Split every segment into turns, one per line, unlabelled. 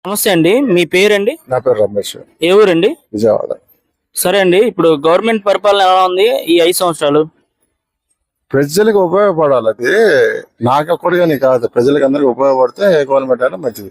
నమస్తే అండి, మీ పేరండి?
నా పేరు రమేష్.
ఏ ఊరండి?
విజయవాడ.
సరే అండి, ఇప్పుడు గవర్నమెంట్ పరిపాలన ఎలా ఉంది ఈ 5 సంవత్సరాలు?
ప్రజలకు ఉపయోగపడాలి. అది నాకొక్కడిగాని కాదు, ప్రజలకు అందరికి ఉపయోగపడితే గవర్నమెంట్ అయినా మంచిది.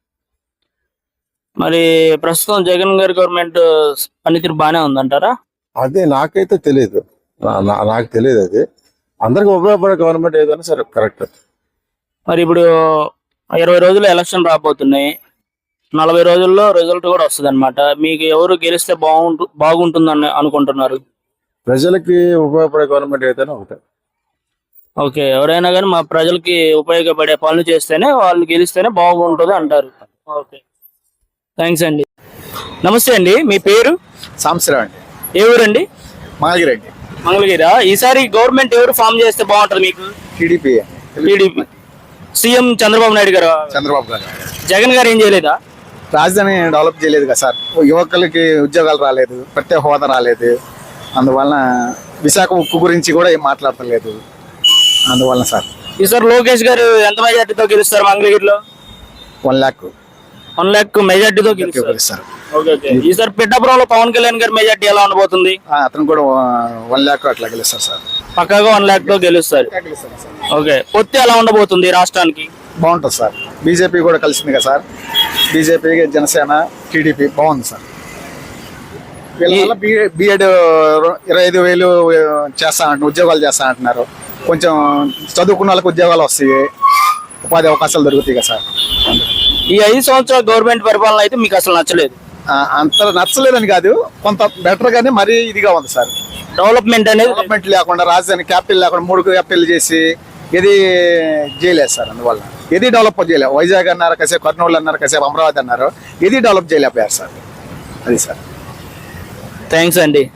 మరి ప్రస్తుతం జగన్ గారి గవర్నమెంట్ పనితీరు బాగానే ఉందంటారా?
అదే నాకైతే తెలియదు, నాకు తెలియదు. అది అందరికి ఉపయోగపడే గవర్నమెంట్ ఏదైనా సరే కరెక్ట్.
మరి ఇప్పుడు 20 రోజులు ఎలక్షన్ రాబోతున్నాయి, 40 రోజుల్లో రిజల్ట్ కూడా వస్తుంది అనమాట. మీకు ఎవరు గెలిస్తే బాగుంటుందని అనుకుంటున్నారు?
ప్రజలకి ఉపయోగపడే గవర్నమెంట్ ఏదైనా ఒకటే.
ఓకే, ఎవరైనా కానీ మా ప్రజలకి ఉపయోగపడే పనులు చేస్తేనే వాళ్ళు గెలిస్తేనే బాగుంటుంది అంటారు. ఓకే, థ్యాంక్స్ అండి. నమస్తే అండి, మీ పేరు?
సంవత్సరం అండి.
ఏ ఊరండి?
మంగళగిరి.
మంగళగిరా. ఈసారి గవర్నమెంట్ ఎవరు ఫామ్ చేస్తే బాగుంటుంది మీకు?
TDP.
TDP. CM Chandrababu Naidu garu.
Chandrababu గారు.
జగన్ గారు ఏం చేయలేదా?
రాజధాని డెవలప్ చేయలేదు కదా సార్. యువకులకి ఉద్యోగాలు రాలేదు, ప్రత్యేక హోదా రాలేదు. అందువలన విశాఖ ఉక్కు గురించి కూడా ఏం మాట్లాడతలేదు. అందువలన సార్
ఈసారి లోకేష్ గారు ఎంత మెజార్టీతో గెలుస్తారు మంగళగిరిలో?
1 lakh
1 lakh మెజార్టీతో గెలుస్తారు. ఈసారి పిఠాపురంలో పవన్ కళ్యాణ్ గారి మెజార్టీ ఎలా ఉండబోతుంది?
అతను కూడా 1 lakh అట్లా గెలుస్తారు సార్.
పక్కాగా 1 lakh తో గెలుస్తారు. ఓకే, పొత్తి ఎలా ఉండబోతుంది రాష్ట్రానికి?
బాగుంటుంది సార్. బీజేపీ కూడా కలిసింది కదా సార్. బీజేపీ, జనసేన, టీడీపీ బాగుంది సార్. వీళ్ళ బిఎడ్ 25,000 చేస్తా అంటున్నారు, ఉద్యోగాలు చేస్తా అంటున్నారు. కొంచెం చదువుకున్న వాళ్ళకి ఉద్యోగాలు వస్తాయి, ఉపాధి అవకాశాలు దొరుకుతాయి కదా సార్.
ఈ 5 సంవత్సరాల గవర్నమెంట్ పరిపాలన అయితే మీకు అసలు నచ్చలేదు?
అంత నచ్చలేదని కాదు, కొంత బెటర్ గానే మరీ ఇదిగా ఉంది సార్.
డెవలప్మెంట్
లేకుండా, రాజధాని క్యాపిటల్ లేకుండా 3 క్యాపిటల్ చేసి ఏది చేయలేదు సార్. అందువల్ల ఏది డెవలప్ చేయలేదు. వైజాగ్ అన్నారు కాసేపు, కర్నూలు అన్నారు కాసేపు, అమరావతి అన్నారు, ఏది డెవలప్ చేయలేకపోయారు సార్. అది సార్.
థ్యాంక్స్ అండి.